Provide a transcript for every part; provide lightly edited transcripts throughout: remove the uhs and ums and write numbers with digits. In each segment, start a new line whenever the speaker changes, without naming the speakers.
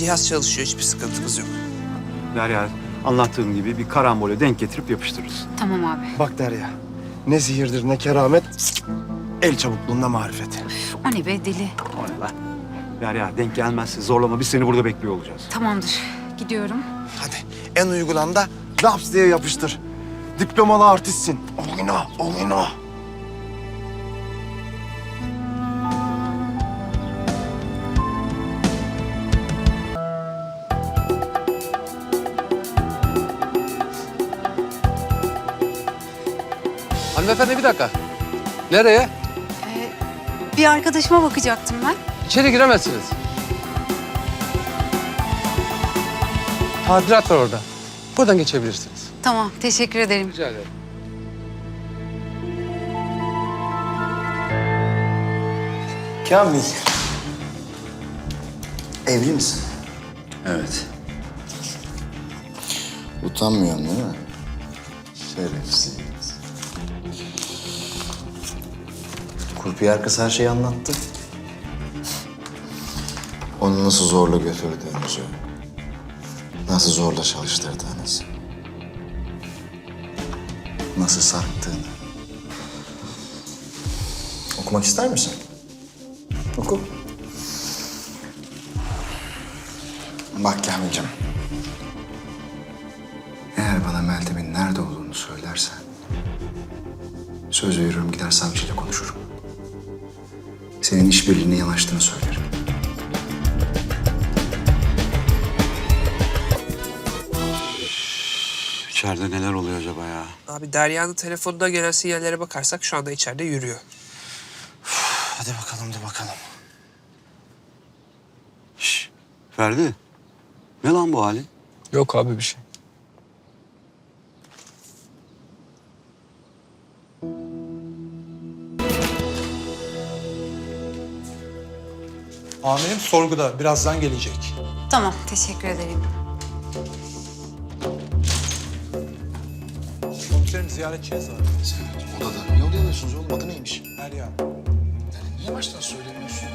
cihaz çalışıyor. Hiçbir sıkıntımız yok.
Derya, anlattığım gibi bir karambole denk getirip yapıştırırız.
Tamam abi.
Bak Derya, ne sihirdir ne keramet, el çabukluğunda marifet.
Üf, o ne be deli.
O ne lan? Derya, denk gelmezse zorlama. Biz seni burada bekliyor olacağız.
Tamamdır. Gidiyorum.
Hadi en uygulanda laps diye yapıştır. Diplomalı artistsin. Oyna, oyna.
Hanımefendi bir dakika. Nereye?
Bir arkadaşıma bakacaktım ben.
İçeri giremezsiniz. Tadilat var orada. Buradan geçebilirsiniz.
Tamam, teşekkür ederim.
Rica ederim.
Kamil. Evli misin?
Evet.
Utanmıyorsun değil mi? Şerefsiz. Kurpiyer kız her şeyi anlattı. Onu nasıl zorla götürdüğünüzü, nasıl zorla çalıştırdığınızı, nasıl sattığını. Okumak ister misin? Oku. Bak Kamil'cim. Eğer bana Meltem'in nerede olduğunu söylersen... ...söz veriyorum gider savcıyla konuşurum. Senin işbirliğine yanaştığını söylerim.
İçeride neler oluyor acaba ya?
Abi Derya'nın telefonuna gelen sinyallere bakarsak şu anda içeride yürüyor.
Hadi bakalım da bakalım.
Şş, Ferdi. Ne lan bu halin?
Yok abi bir şey.
Amirim sorguda. Birazdan gelecek.
Tamam, teşekkür ederim.
Komiserim ziyaretçiniz var.
Odada. Niye odaya alıyorsunuz oğlum? Adı neymiş?
Derya.
Niye baştan söylemiyorsun?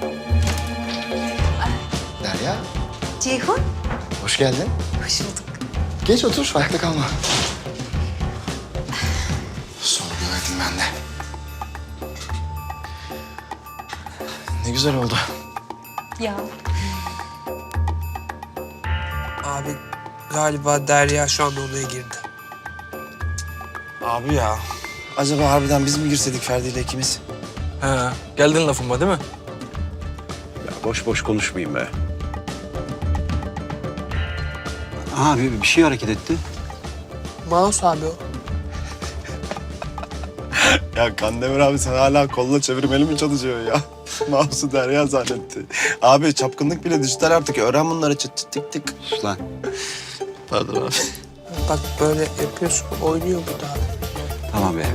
Derya,
Ceyhun,
hoş geldin.
hoş bulduk.
Geç otur, ayakta kalma. Sorgulaydım ben de. Ne güzel oldu.
Ya.
Abi galiba Derya şu anda odaya girdi.
Abi ya, acaba harbiden biz mi girseydik Ferdi ile ikimiz?
He, geldin lafıma değil mi?
Ya boş boş konuşmayayım be. Abi bir şey hareket etti.
Mouse abi o.
Ya Kandemir abi sen hala kolla çevirmeli mi çalışıyor ya? Mouse'u Derya zannetti. Abi çapkınlık bile dijital artık. Öğren bunları çıt çıt tık tık.
Sus lan.
Pardon abi.
Bak böyle yapıyorsun, oynuyor bu da abi.
Tamam be.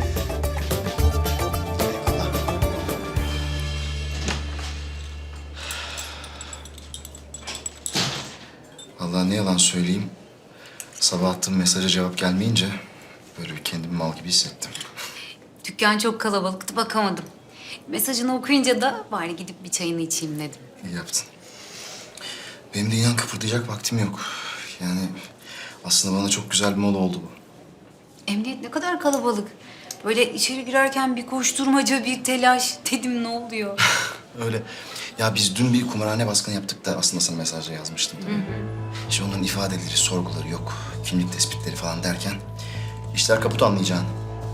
Vallahi ne yalan söyleyeyim. Sabah attığım mesaja cevap gelmeyince böyle bir kendimi mal gibi hissettim.
Dükkan çok kalabalıktı, bakamadım. Mesajını okuyunca da bari gidip bir çayını içeyim dedim.
İyi yaptın. Benim de inan kıpırdayacak vaktim yok. Yani aslında bana çok güzel bir mola oldu bu.
Emniyet ne kadar kalabalık. Böyle içeri girerken bir koşturmaca, bir telaş. Dedim ne oluyor?
Öyle. Ya biz dün bir kumarhane baskını yaptık da aslında sana mesajda yazmıştım. İşte onların ifadeleri, sorguları yok. Kimlik tespitleri falan derken işler kaput anlayacağın.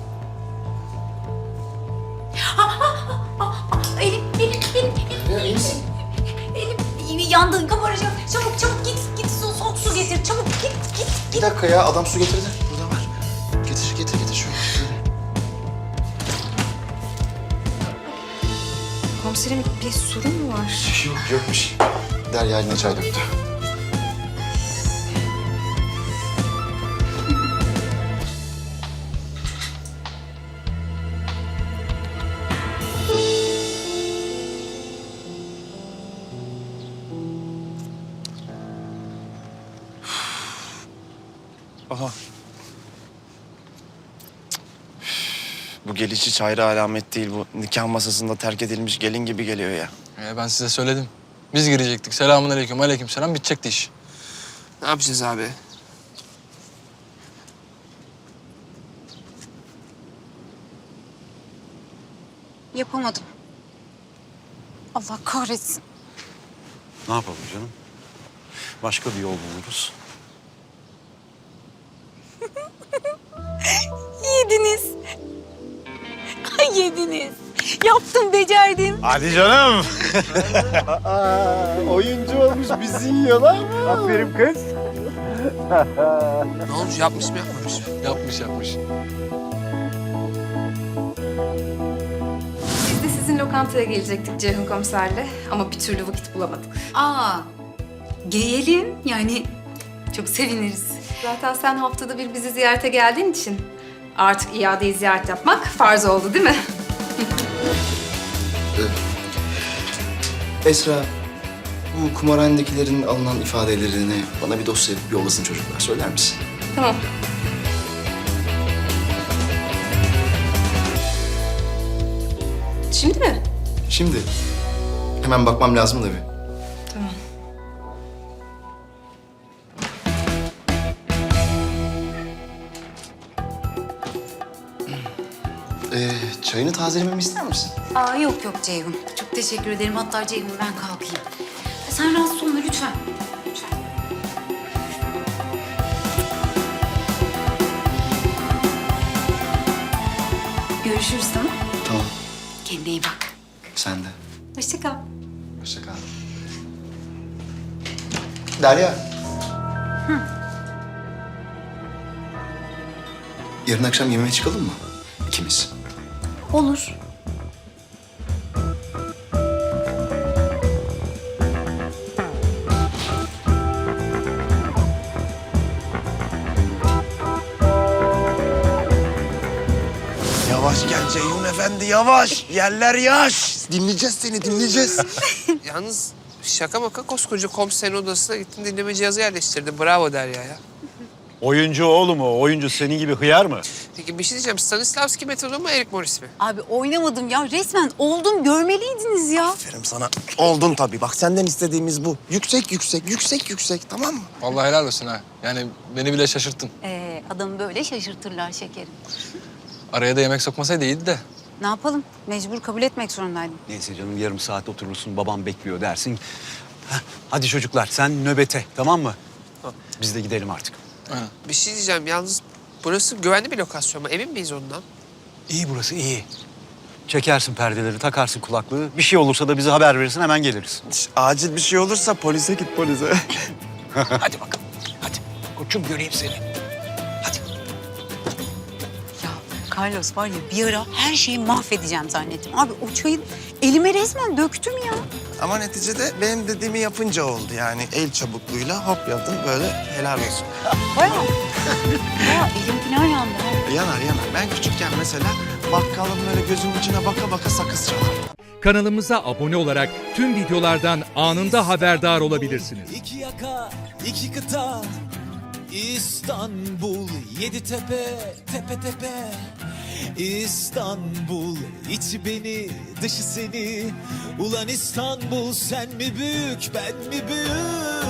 Elim.
İyi misin?
Elim yandı, kabaracak. Çabuk çabuk git soğuk su getir. Çabuk git.
Bir dakika ya adam su getirdi. Burada var. Getir şöyle.
Komiserim bir sorun mu var?
Yokmuş. Derya eline çay döktü.
Aha. Bu geliş hiç hayra alamet değil bu. Nikah masasında terk edilmiş gelin gibi geliyor ya.
Ben size söyledim. Biz girecektik. Selamun aleyküm, aleyküm selam. Bitecekti iş.
Ne yapacağız abi?
Yapamadım. Allah kahretsin.
Ne yapalım canım? Başka bir yol buluruz.
Yediniz. Ay yediniz. Yaptım, becerdim.
Hadi canım.
Oyuncu olmuş bizi yiyorlar mı?
Aferin kız.
Ne olmuş? Yapmış mı yapmamış mı?
Yapmış yapmış.
Biz de sizin lokantaya gelecektik Ceyhun komiserle ama bir türlü vakit bulamadık.
Aa, gelelim. Yani çok seviniriz.
Zaten sen haftada bir bizi ziyarete geldiğin için artık iadeyi ziyaret yapmak farz oldu değil mi?
Esra, bu kumarhanedekilerin alınan ifadelerini bana bir dosya yapıp yollasın çocuklar. Söyler misin?
Tamam. Şimdi mi?
Şimdi. Hemen bakmam lazım da bir.
Tamam.
Çayını tazelememi ister misin?
Aa, yok yok Ceyhun. Çok teşekkür ederim. Hatta Ceyhun ben kalkayım. Sen rahatsız olma lütfen. Lütfen. Görüşürüz, tamam?
Tamam.
Kendine iyi bak.
Sen de.
Hoşça kal.
Hoşça kal. Derya. Yarın akşam yemeğe çıkalım mı? İkimiz.
Olur.
Yavaş gel Ceyhun Efendi yavaş. Yerler yaş. Dinleyeceğiz seni dinleyeceğiz.
Yalnız şaka maka koskoca komiserin odasına gittin dinleme cihazı yerleştirdi. Bravo Derya ya.
Oyuncu oğlum o. Oyuncu senin gibi hıyar mı?
Peki bir şey diyeceğim. Stanislavski metodu mu Eric Morris mi?
Abi oynamadım ya. Resmen oldum. Görmeliydiniz ya.
Aferin sana. Oldun tabii. Bak senden istediğimiz bu. Yüksek yüksek yüksek yüksek tamam mı?
Vallahi helal olsun ha. Yani beni bile şaşırttın.
Adamı böyle şaşırtırlar şekerim.
Araya da yemek sokmasaydı iyiydi de.
Ne yapalım? Mecbur kabul etmek zorundaydım.
Neyse canım yarım saat oturursun babam bekliyor dersin. Heh, hadi çocuklar sen nöbete tamam mı? Biz de gidelim artık.
Aynen.
Bir şey diyeceğim. Yalnız burası güvenli bir lokasyon mu? Emin miyiz ondan?
İyi burası iyi. Çekersin perdeleri, takarsın kulaklığı. Bir şey olursa da bize haber verirsin hemen geliriz.
Acil bir şey olursa polise git polise.
Hadi bakalım. Hadi. Koçum göreyim seni. Hadi.
Ya Carlos var ya bir ara her şeyi mahvedeceğim zannettim. Abi o çayı elime resmen döktüm ya.
Ama neticede benim dediğimi yapınca oldu yani. El çabukluğuyla hop yaptım böyle helal olsun.
Bayağı. Ya elim falan yandı. ha.
Yanar yanar. Ben küçükken mesela bakkalın böyle gözümün içine baka baka sakız çalardım.
Kanalımıza abone olarak tüm videolardan anında haberdar olabilirsiniz.
İki yaka, iki kıta, İstanbul, yedi tepe, tepe tepe. İstanbul, içi beni, dışı seni. Ulan İstanbul, sen mi büyük, ben mi büyük?